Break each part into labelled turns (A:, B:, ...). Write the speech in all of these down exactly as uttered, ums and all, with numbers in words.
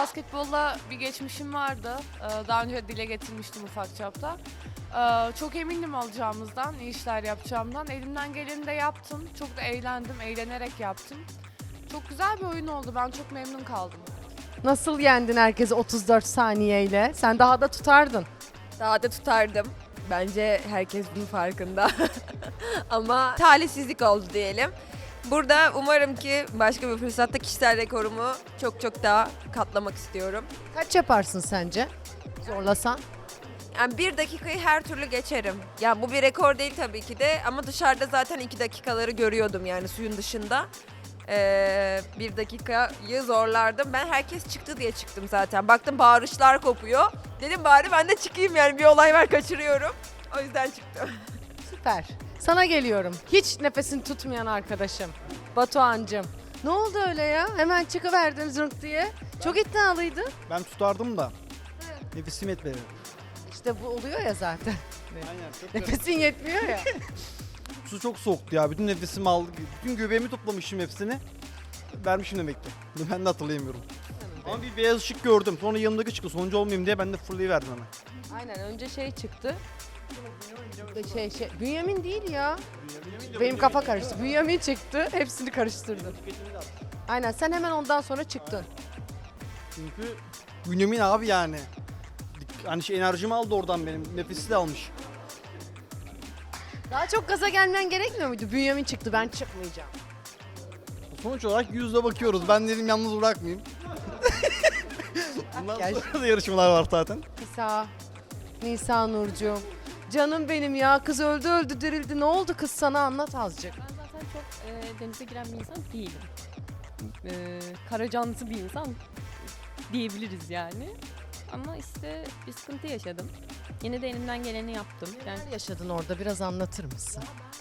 A: basketbolla bir geçmişim vardı. Ee, Daha önce dile getirmiştim ufak çapta. Ee, Çok emindim alacağımızdan, iyi işler yapacağımdan. Elimden geleni de yaptım. Çok da eğlendim, eğlenerek yaptım. Çok güzel bir oyun oldu. Ben çok memnun kaldım.
B: Nasıl yendin herkesi otuz dört saniyeyle? Sen daha da tutardın.
C: Daha da tutardım. Bence herkes bunun farkında. Ama talihsizlik oldu diyelim. Burada umarım ki başka bir fırsatta kişisel rekorumu çok çok daha katlamak istiyorum.
B: Kaç yaparsın sence? Zorlasan.
C: Yani bir dakikayı her türlü geçerim. Yani bu bir rekor değil tabii ki de ama dışarıda zaten iki dakikaları görüyordum yani suyun dışında. Ee, bir dakikayı zorlardım. Ben herkes çıktı diye çıktım zaten. Baktım bağırışlar kopuyor. Dedim bari ben de çıkayım yani bir olay var kaçırıyorum. O yüzden çıktım.
B: Süper. Sana geliyorum. Hiç nefesini tutmayan arkadaşım. Batuhan'cığım. Ne oldu öyle ya? Hemen çıkıverdin zırk diye. Çok iddialıydı.
D: Ben tutardım da. Nefesim yetmedi.
B: İşte bu oluyor ya zaten.
D: Aynen. Çok
B: Nefesin yetmiyor ya.
D: Su çok soğuktu ya. Bütün nefesimi aldı. Bütün göbeğimi toplamışım hepsini. Vermişim demek ki. Bunu ben de hatırlayamıyorum. Ama bir beyaz ışık gördüm. Sonra yanımdaki çıktı. Sonuncu olmayayım diye ben de fırlayıverdim hemen.
B: Aynen önce şey çıktı. Şey şey. Bünyamin değil ya. Benim kafa karıştı. Bünyamin çıktı. Hepsini karıştırdı. Aynen sen hemen ondan sonra çıktın.
D: Çünkü Bünyamin abi yani. Hani şey enerjimi aldı oradan benim. Nefesi de almış.
B: Daha çok gaza gelmen gerekmiyor muydu? Bünyamin çıktı ben çıkmayacağım.
D: Sonuç olarak yüzle bakıyoruz. Ben dedim yalnız bırakmayayım. Bundan
B: Gel.
D: sonra da yarışmalar var zaten.
B: Nisa. Nisa Nurcuğum. Canım benim ya kız öldü öldü dirildi. Ne oldu kız sana anlat azıcık.
E: Ben zaten çok e, denize giren bir insan değilim. E, kara canlısı bir insan diyebiliriz yani. Ama işte bir sıkıntı yaşadım. Yine de elimden geleni yaptım. Yani
B: Neler yaşadın orada biraz anlatır mısın?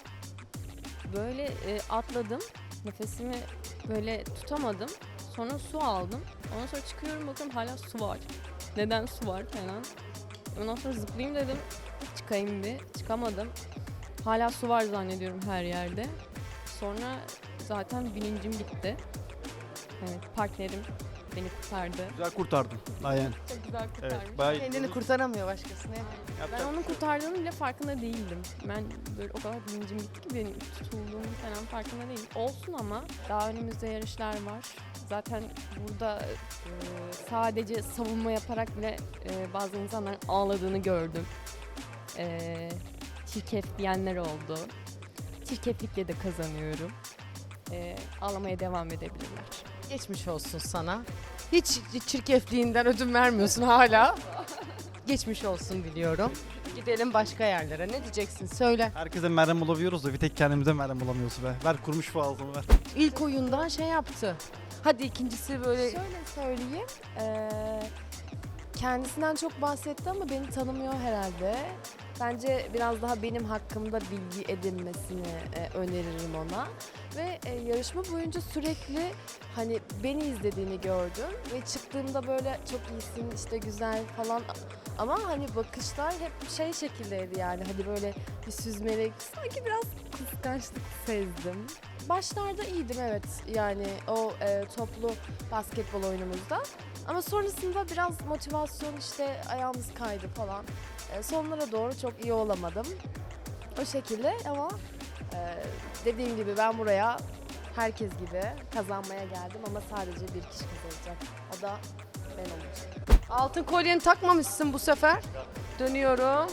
E: böyle e, atladım. Nefesimi böyle tutamadım. Sonra su aldım. Ondan sonra çıkıyorum bakıyorum hala su var. Neden su var falan. Ondan sonra zıplayayım dedim. Çıkayım bir. Çıkamadım. Hala su var zannediyorum her yerde. Sonra zaten bilincim gitti. Evet, partnerim beni kurtardı.
D: Güzel kurtardım. Aynen.
E: Çok güzel kurtarmış.
D: Evet. Bayağı
B: Kendini kurtaramıyor başkasını.
E: Ben onun kurtardığının bile farkında değildim. Ben böyle o kadar bilincim gitti ki benim tutulduğum falan farkında değilim. Olsun ama daha önümüzde yarışlar var. Zaten burada e, sadece savunma yaparak bile e, bazı insanların ağladığını gördüm. E, çirkef diyenler oldu. Çirkeflikle de kazanıyorum. E, ağlamaya devam edebilirler.
B: Geçmiş olsun sana. Hiç çirkefliğinden ödün vermiyorsun hala. Geçmiş olsun diliyorum. Gidelim başka yerlere. Ne diyeceksin? Söyle.
D: Herkese merhem bulabiliyoruz da bir tek kendimize merhem bulamıyoruz be. Ver kurmuş bu ağzımı ver.
B: İlk oyundan şey yaptı. Hadi ikincisi böyle
F: Şöyle söyleyeyim, eee, kendisinden çok bahsetti ama beni tanımıyor herhalde. Bence biraz daha benim hakkımda bilgi edinmesini e, öneririm ona. Ve e, yarışma boyunca sürekli hani beni izlediğini gördüm ve çıktığımda böyle çok iyisin işte güzel falan ama hani bakışlar hep şey şekildeydi yani hani böyle bir süzmelik sanki biraz kıskançlık sezdim. Başlarda iyiydim evet yani o e, toplu basketbol oyunumuzda ama sonrasında biraz motivasyon işte ayağımız kaydı falan. E, sonlara doğru çok iyi olamadım. O şekilde ama e, dediğim gibi ben buraya herkes gibi kazanmaya geldim ama sadece bir kişi kazanacak. O da ben olacağım.
B: altın kolyeni takmamışsın bu sefer. Dönüyorum.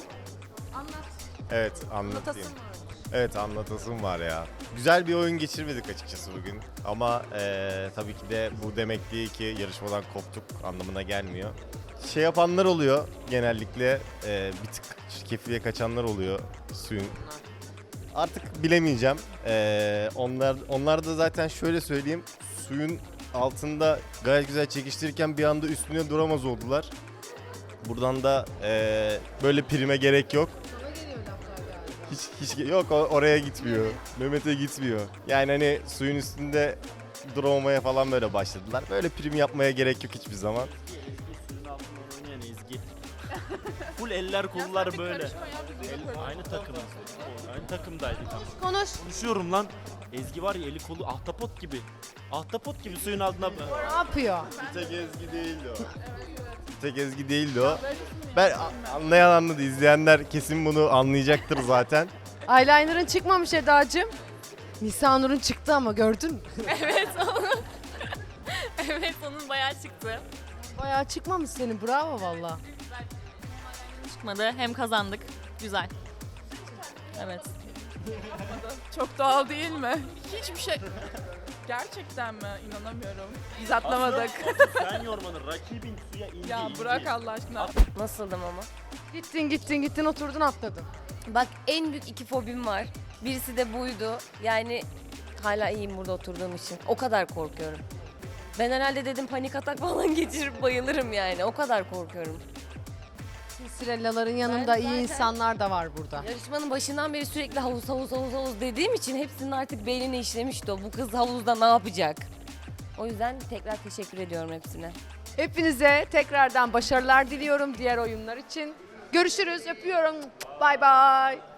G: Evet anlatayım. Evet anlatasım var ya. Güzel bir oyun geçirmedik açıkçası bugün. Ama eee, tabii ki de bu demek değil ki yarışmadan koptuk anlamına gelmiyor. Şey yapanlar oluyor genellikle eee, bir tık çirkefliğe kaçanlar oluyor suyun. Artık bilemeyeceğim. Eee, onlar onlar da zaten şöyle söyleyeyim. Suyun altında gayet güzel çekiştirirken bir anda üstüne duramaz oldular. Buradan da eee, böyle prime gerek yok. Hiç, hiç yok o- oraya gitmiyor. Mehmet'e gitmiyor. Yani hani suyun üstünde duramamaya falan böyle başladılar. Böyle prim yapmaya gerek yok hiçbir zaman.
H: Suyun altında oynayan Ezgi. Full eller kollar böyle. El- aynı takımız. Aynı takımdaydık ama.
B: Konuş.
H: Konuşuyorum lan. Ezgi var ya eli kolu ahtapot gibi. Ahtapot gibi suyun altına.
B: Ne yapıyor?
G: Bir tek Ezgi değildi o. Bir tek Ezgi değildi o. Ben a- anlayan anladı. İzleyenler kesin bunu anlayacaktır zaten.
B: Eyeliner'ın çıkmamış Eda'cığım. Nisanur'un çıktı ama gördün mü?
I: Evet onun. Evet onun bayağı çıktı.
B: Bayağı çıkmamış senin, bravo valla.
I: Çıkmadı. Hem kazandık. Güzel. Evet.
A: Çok doğal değil mi? Hiçbir şey... Gerçekten mi? İnanamıyorum. Biz atlamadık.
H: Sen yormanın rakibin suya indi.
A: Ya
H: indi.
A: bırak Allah aşkına.
J: Nasıldım ama?
B: Gittin gittin gittin oturdun atladın.
J: Bak en büyük iki fobim var. Birisi de buydu. Yani hala iyiyim burada oturduğum için. O kadar korkuyorum. Ben herhalde dedim panik atak falan geçirip bayılırım yani. O kadar korkuyorum.
B: Sinsirellaların yanında iyi insanlar da var burada.
J: Yarışmanın başından beri sürekli havuz havuz havuz havuz dediğim için hepsinin artık beynine işlemişti o. Bu kız havuzda ne yapacak? O yüzden tekrar teşekkür ediyorum hepsine.
B: Hepinize tekrardan başarılar diliyorum diğer oyunlar için. Görüşürüz, öpüyorum. Bay bay.